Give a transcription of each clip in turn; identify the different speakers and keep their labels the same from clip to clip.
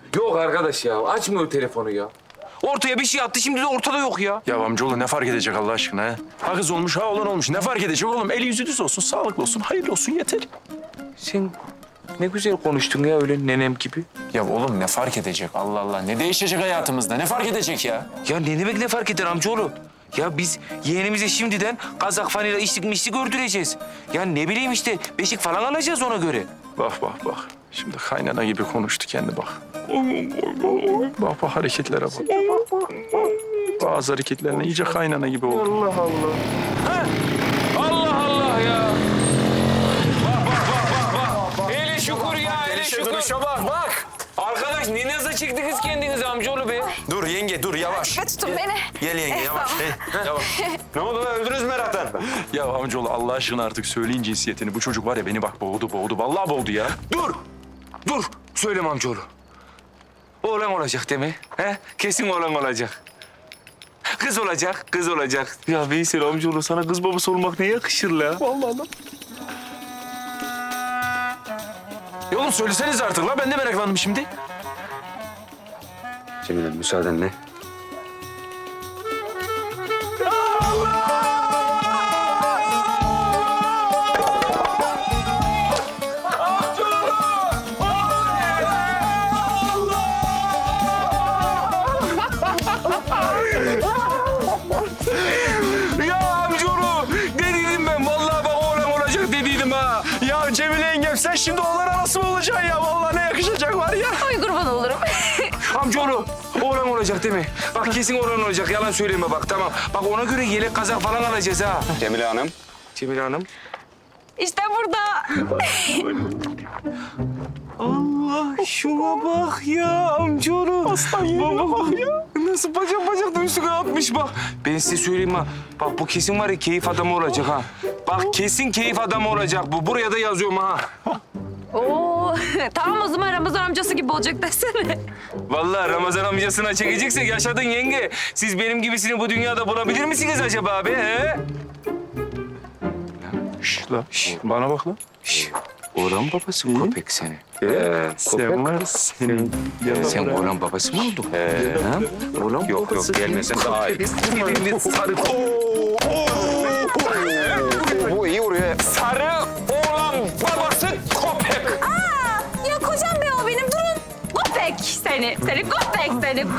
Speaker 1: Yok arkadaş ya. Açmıyor telefonu ya. Ortaya bir şey attı şimdi de ortada yok ya.
Speaker 2: Ya amcaoğlu ne fark edecek Allah aşkına ha? Ha kız olmuş ha oğlan olmuş. Ne fark edecek oğlum? Eli yüzü düz olsun, sağlıklı olsun, hayırlı olsun yeter.
Speaker 1: Sen ne güzel konuştun ya öyle nenem gibi.
Speaker 2: Ya oğlum ne fark edecek Allah Allah? Ne değişecek hayatımızda? Ne fark edecek ya?
Speaker 1: Ya ne demek ne fark eder amcaoğlu? Ya biz yeğenimize şimdiden kazak fanıyla içlik mişlik ördüreceğiz. Ya ne bileyim işte beşik falan alacağız ona göre.
Speaker 2: Bak bak bak. Şimdi kaynana gibi konuştu kendi bak. Bak bak hareketlere bak. Bazı hareketlerine iyice kaynana gibi oldu.
Speaker 1: Allah Allah. Ha? Allah Allah ya. Bak. Hele şükür ya, hele şükür.
Speaker 2: bak bak.
Speaker 1: Arkadaş ne naza çıktınız kendiniz amcaoğlu be?
Speaker 2: Dur yenge dur yavaş.
Speaker 3: Tutun beni.
Speaker 2: Gel yenge yavaş. Yavaş.
Speaker 4: Ne oldu lan? Öldünüz meraktan.
Speaker 2: Ya amcaoğlu Allah aşkına artık söyleyin cinsiyetini. Bu çocuk var ya beni bak boğdu. Vallahi boğdu ya.
Speaker 1: Dur. Söyleme amcaoğlu. Oğlan olacak değil mi? He? Kesin oğlan olacak. Kız olacak. Ya Veysel amcaoğlu sana kız babası olmak ne yakışır la?
Speaker 2: Vallahi lan. Ya oğlum söyleseniz artık la ben de meraklandım şimdi.
Speaker 4: Cemile müsaadenle.
Speaker 1: Ya amcaoğlu dediydim ben. Vallahi bak oğlan olacak dediydim ha.
Speaker 2: Ya Cemile yengem sen şimdi oğlan anası mı olacaksın ya? Vallahi ne yakışacak var ya.
Speaker 3: Ay kurban olurum.
Speaker 1: Amcaoğlu oğlan olacak değil mi? Bak kesin oğlan olacak. Yalan söyleme bak tamam. Bak ona göre yelek kazak falan alacağız ha.
Speaker 4: Cemile Hanım.
Speaker 1: Cemile Hanım.
Speaker 3: İşte burada.
Speaker 1: Allah şuna bak ya amcaoğlu. Aslan yerine bak ya. Nasıl bacak da üstüne atmış bak. Ben size söyleyeyim ha. Bak bu kesin var ya keyif adamı olacak ha. Bak kesin keyif adamı olacak bu. Buraya da yazıyorum ha.
Speaker 3: Oo, tamam o zaman Ramazan amcası gibi olacak desene.
Speaker 1: Vallahi Ramazan amcasına çekeceksek yaşadın yenge. Siz benim gibisini bu dünyada bulabilir misiniz acaba abi? He?
Speaker 2: Şş la. Bana bak lan.
Speaker 1: Oğlan babası köpek seni.
Speaker 2: Sen var senin.
Speaker 1: Sen oğlan babası mı oldun? Ha? Oğlan
Speaker 4: Yok gelmesen daha iyi.
Speaker 1: Sarı
Speaker 4: Bu iyi vuruyor.
Speaker 1: Sarı oğlan babası köpek.
Speaker 3: Ya kocam be o benim durun. Köpek seni köpek.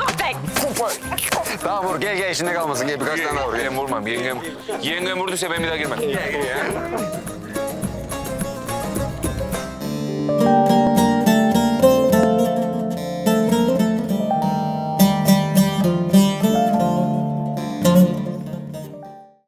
Speaker 4: Daha vur gel işinde kalmasın. Gel birkaç tane daha vur.
Speaker 1: Ben vurmam yengem vurduysa ben bir daha girmem.